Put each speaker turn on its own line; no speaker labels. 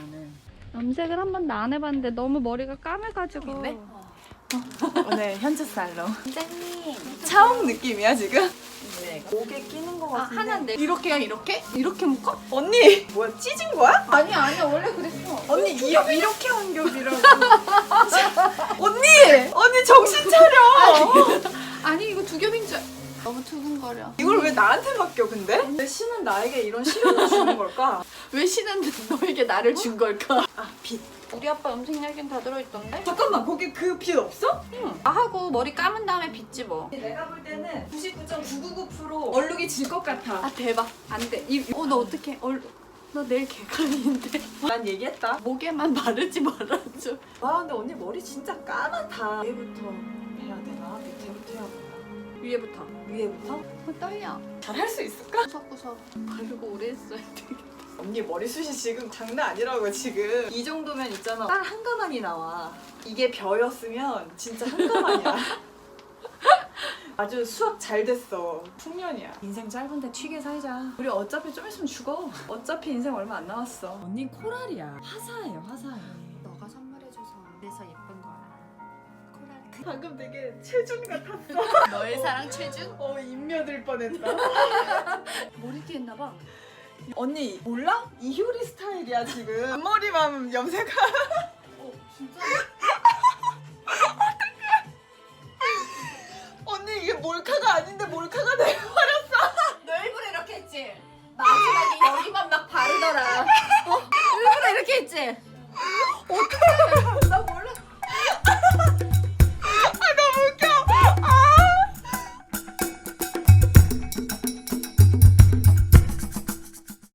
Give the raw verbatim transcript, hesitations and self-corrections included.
나는.
염색을 한 번도 안 해봤는데 너무 머리가 까매가지고.
네? 오늘 현주 살롱.
선생님.
차옥 느낌이야 지금? 네. 목에 끼는 거
아,
같은데.
하나인데.
이렇게야 이렇게? 이렇게 묶어? 언니 뭐야 찢은 거야?
아니 아니 원래 그랬어.
언니 이렇게 이렇게 한 겹이라고. 언니 언니 정신 차려.
아니 이거 두 겹인 줄. 너무 두근거려.
이걸 왜 나한테 맡겨 근데? 왜 신은 나에게 이런 시련을 주는 걸까?
왜 신은 너에게 나를 준 걸까?
아 빛.
우리 아빠 염색약엔 다 들어있던데?
잠깐만 거기 그 빛 없어?
응. 나 하고 머리 감은 다음에 빗지 뭐.
내가 볼 때는 구십구 점 구구구 퍼센트 얼룩이 질 것 같아.
아 대박. 안 돼. 이, 어, 너 어떡해. 얼, 너 내일 개강인데.
난 얘기했다.
목에만 바르지 말아줘.
와 근데 언니 머리 진짜 까맣다. 위에부터 해야 되나? 밑에부터 해야 되나?
위에부터.
위에부터?
어, 떨려.
잘 할 수 있을까?
구석구석 바르고 오래 했어야 돼.
언니 머리숱이 지금 장난 아니라고 지금. 이 정도면 있잖아 딸 한 가만이 나와. 이게 벼였으면 진짜 한 가만이야. 아주 수학 잘 됐어. 풍년이야. 인생 짧은데 튀게 살자. 우리 어차피 좀 있으면 죽어. 어차피 인생 얼마 안 남았어. 언니 코랄이야. 화사해요 화사해.
너가 선물해줘서 그래서 예쁜 거야. 코랄.
방금 되게 최준 같았어.
너의 사랑 최준?
어 인며들 뻔했다.
머리띠 했나봐.
언니 몰라? 이효리 스타일이야 지금. 앞머리만 염색하.
어 진짜?
언니 이게 몰카가 아닌데 몰카가 돼버렸어.
너 일부러 이렇게 했지? 마지막에 여기만 막 바르더라. 어? 일부러 이렇게 했지? 어떡해.